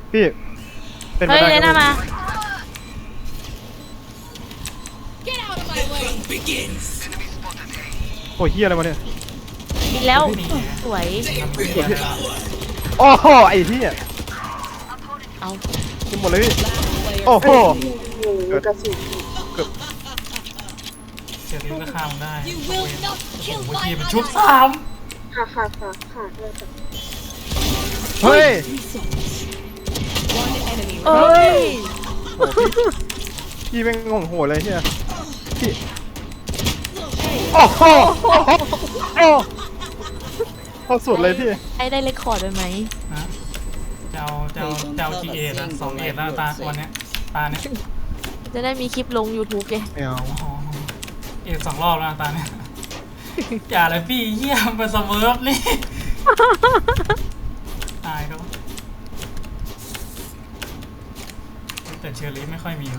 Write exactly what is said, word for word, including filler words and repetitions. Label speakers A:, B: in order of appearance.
A: พี่เป็นไป
B: เฮ้ย
A: ได้
B: เลน่ามา
A: โอ้ยเฮียอะไรวะเนี่ย
B: บินแล้วสวย
A: โอ้โหไอ้เฮีย
B: เอา
A: กินหมดเลยพี่โอ้โห
C: โอ้โหกระสุน
A: เกือบ
D: เสียลิ้นก็ข้ามได้
E: You will not
D: โอ้
E: kill
D: โห
E: my
D: ทีเป็น
E: ally.
D: ชุดสาม
C: ค่ะค่ะค่ะค่ะเลยจ้ะ
A: เฮ้ย
B: เอ้ย
A: โอ้พี่พี่เป็นงงโหดเลยเฮียพี่โอ้โหโอ้โหโอ้เอาสุดเลยพี่
B: ไอ้ได้เลคคอร์ดไปไหม
D: นะจะเอาจะเอาจะเอากี่เอ็ดอะสองเอ็ดแล้วตาวันเนี้ยตาเนี้ย
B: จะได้มีคลิปลง YouTube ไง
A: ไม่เอา
D: อ๋อเอ็ดสองรอบแล้วตาเนี้ยอย่าเลยพี่เยี่ยมเป็นสเมิร์ฟนี่ตายแล้วแต่เชอรี่ไม่ค่อยมี